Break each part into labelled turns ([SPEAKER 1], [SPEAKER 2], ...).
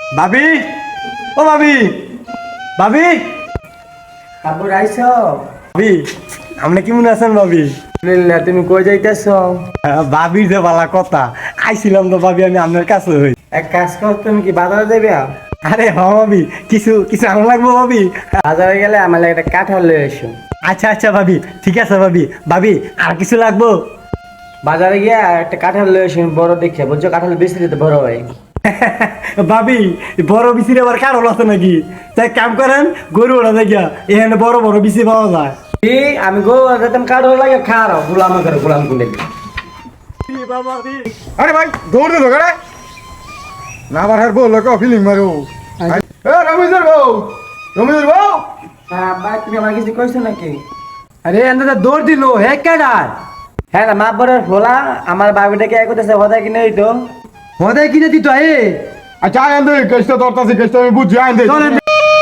[SPEAKER 1] ভাবি, ও ভাবি, ভাবি,
[SPEAKER 2] কাপড় আইছ?
[SPEAKER 1] ভাবি, আপনি কেমন আছেন ভাবি?
[SPEAKER 2] আলহামদুলিল্লাহ, তুমি কই যাইতেছ?
[SPEAKER 1] ভাবির যে বালা কথা, আইছিলাম তো ভাবি আমি আপনার কাছে হই।
[SPEAKER 2] এক কাজ কর, তুমি কি বাজারে দেবে?
[SPEAKER 1] আরে হ ভাবি, কিছু কিছু আনা লাগবো ভাবি।
[SPEAKER 2] বাজারে গেলে আমার লাগে একটা কাঁঠাল লয়ে এসো।
[SPEAKER 1] আচ্ছা আচ্ছা ভাবি, ঠিক আছে ভাবি। ভাবি আর কিছু লাগবো?
[SPEAKER 2] বাজারে গিয়া একটা কাঁঠাল লয়ে এসো, বড় দেখে, বুঝছো? কাঁঠাল বেশি দিতে বড় হয়।
[SPEAKER 1] ভাবি বড় বিচির আবার কারণ আছে নাকি? তাই কাম করেন, গরু ওটা দেখিয়া এখানে বড় বড় বিচি পাওয়া যায়।
[SPEAKER 2] কি আমি গো যেতাম কাঁঠাল লাগে খারাপ গোলাম করে গোলাম কোনে।
[SPEAKER 3] আরে ভাই দৌড় দে ধরে না আবার হার বল লোক ফিলিং মারো এ রমিজের বউ রমিজের বউ
[SPEAKER 2] ভাই তুমি আমার কিছু কইছো নাকি?
[SPEAKER 4] আরে এন্দা দৌড় দিল হে কেডার
[SPEAKER 2] হ্যাঁ না, মা বড়ের ফোলা আমার বাবিটাকে এক করতেছে হদায় কিনে হইতো।
[SPEAKER 4] হদে কিনে দিত এ
[SPEAKER 3] আচ্ছা আইন দে কেসটা ধরতাছি কেসটা আমি বুঝি আইন দে
[SPEAKER 4] চলেন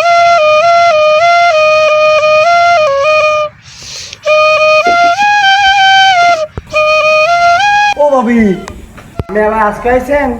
[SPEAKER 1] ও ভাবি,
[SPEAKER 2] আপনি আবার আজকে আইছেন?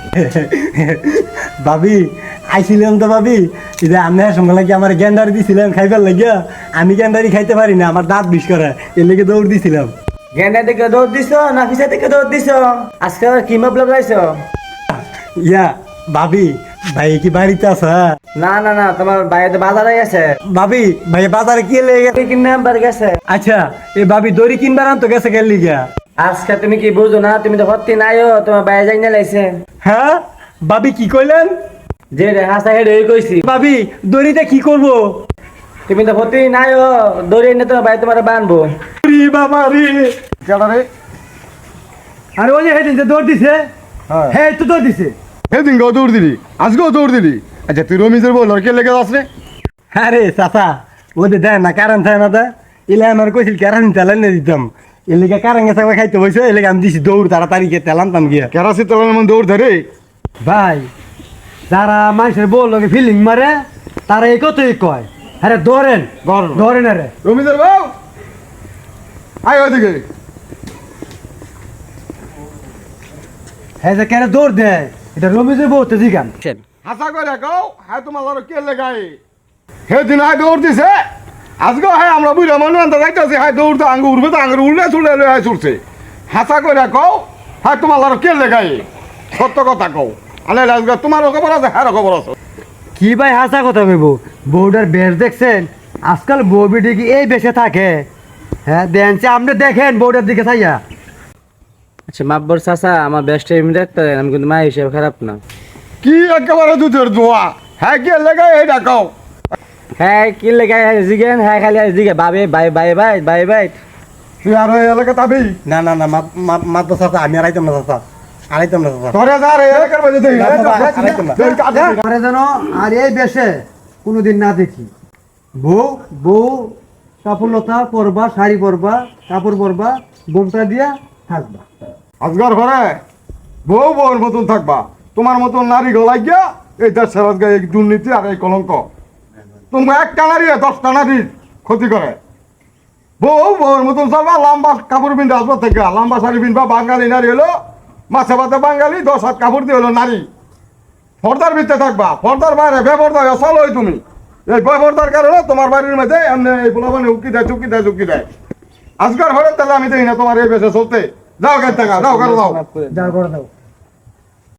[SPEAKER 1] ভাবি আইছিলাম তো ভাবি, যে আপনার সঙ্গে লাগে আমার গেন্দারি দিছিলেন খাইবার লাগিয়া। আমি গেন্দারি খাইতে পারি না, আমার দাঁত বিষ করে, এর লেগে দৌড় দিছিলাম।
[SPEAKER 2] গেন্দা থেকে দৌড় দিছ না পিছা থেকে দৌড় দিছ? আজকে আবার কি মতলব লাইছো?
[SPEAKER 1] ইয়া ভাবি, ভাই কি বাড়িতে আছে?
[SPEAKER 2] না না না, তোমার বাইরে বাজারে গেছে,
[SPEAKER 1] ভাবি ভাই বাজারে কি লেগে?
[SPEAKER 2] কিনে আনবার গেছে।
[SPEAKER 1] আচ্ছা এই ভাবি দড়ি কিনবার আনতো গেছে গেল লিগা।
[SPEAKER 2] আজকে তুমি কি বুঝো না? তুমি তো হত্তি নাইও, তোমার বাইরে যাই না লাইছে।
[SPEAKER 1] হ্যাঁ ভাবি কি কইলেন?
[SPEAKER 2] যে রে হাসা হেড হয়ে কইছি,
[SPEAKER 1] ভাবি দড়িতে কি করব?
[SPEAKER 2] তুমি তো হত্তি নাইও, দৌড়ে এনে তোমার বাইরে তোমার বানবো।
[SPEAKER 1] রি বাবা রে,
[SPEAKER 3] কেডা রে
[SPEAKER 4] আরে ওই যে হেদিন যে দৌড় দিছে
[SPEAKER 3] হ্যাঁ
[SPEAKER 4] হে তো দৌড় দিছে
[SPEAKER 3] সেদিন গো দৌড় দিলি আজকেও দৌড় দিলি আচ্ছা তুই রমিজের বউ লড়কে লেগে যাস রে
[SPEAKER 1] আরে চাচা ওদের দেন না কারণ থাকে না, তা এলে আমার কইছিল কারণ তেলেন না দিতাম, এর লেগে কারণ গেছে খাইতে বসে, এর লেগে আমি দিছি দৌড় তাড়াতাড়ি গিয়ে তেল আনতাম গিয়া।
[SPEAKER 3] কেরাসি তেলের মধ্যে দৌড় ধরে
[SPEAKER 4] ভাই যারা মানুষের বউ লোকে ফিলিং মারে তারা এই কতই কয় আরে ধরেন ধরেন আরে
[SPEAKER 3] রমিজের বউ আয় ওদিকে
[SPEAKER 4] হ্যাঁ যে কেন দৌড় দেয় এটা রমিজের বউ তো জিগান
[SPEAKER 3] হাসা করে কও হ্যাঁ তোমার লড়কে লেগাই সেদিন আয় দৌড় দিছে আজকেও হ্যাঁ আমরা বুঝলাম মনে আনতে যাইতেছি হ্যাঁ দৌড় তো আঙ্গুর উঠবে তো আঙ্গুর উঠলে চুলে হ্যাঁ ছুটছে হাসা করে কও হ্যাঁ তোমার লড়কে লেগাই সত্য কথা কও আলে আজকে তোমারও খবর আছে হ্যাঁ খবর আছে
[SPEAKER 4] কি ভাই হাসা কথা কইব বউটার বেশ দেখছেন? আজকাল বউ বিটি কি এই বেশে থাকে? হ্যাঁ দেনছে আপনি দেখেন বউটার দিকে চাইয়া।
[SPEAKER 2] আচ্ছা মাব্বর চাচা, আমার বেস্ট টাইম দেখতে দেন, আমি কিন্তু মা হিসেবে খারাপ না।
[SPEAKER 3] কি একেবারে দুধের দোয়া হ্যাঁ কে লেগাই এইটা কও
[SPEAKER 2] হ্যাঁ কি লেগে জিগেন, হ্যাঁ খালি জিগে বাবে bye bye bye bye bye.
[SPEAKER 3] তুই আর ওই এলাকা তাবি
[SPEAKER 1] না না না মাত চাচা, আমি আর আইতাম না চাচা, আড়াইতাম না চাচা।
[SPEAKER 3] ধরে যা রে এলাকার মধ্যে দেখি
[SPEAKER 1] না, বাবা, আরেকটা না।
[SPEAKER 4] পরে যেন আর এই বেশে কোনোদিন না দেখি। বউ বউ কাপড়লতা পরবা, শাড়ি পরবা, কাপড় পরবা, বোমটা দিয়া থাকবা।
[SPEAKER 3] আজগার ঘরে বউ বউর মতন থাকবা তোমার মতন নারী গলাই গিয়া এই দেশ সেবাত গায়ে এই দুর্নীতি আর এই কলঙ্ক তোমরা একটা নারী 10টা নারীর ক্ষতি করে বউ বউর মতন চলবা লম্বা কাপড় পিনতে আসবা থেকে লম্বা শাড়ি পিনবা বাঙালি নারী হলো মাছে ভাতে বাঙালি 10 হাত কাপড় দিয়ে হলো নারী পর্দার ভিতরে থাকবা পর্দার বাইরে বেপর্দা চলো তুমি এই বেপর্দার কারণে তোমার বাড়ির মধ্যে এমনি এই পোলাপানে উকি দেয় চুকি দেয় চুকি দেয় আজকাল ঘরে তাহলে আমি দেখি না তোমার এই বেশে চলতে যাও কেন টাকা যাও করো যাও
[SPEAKER 4] যা করে দাও।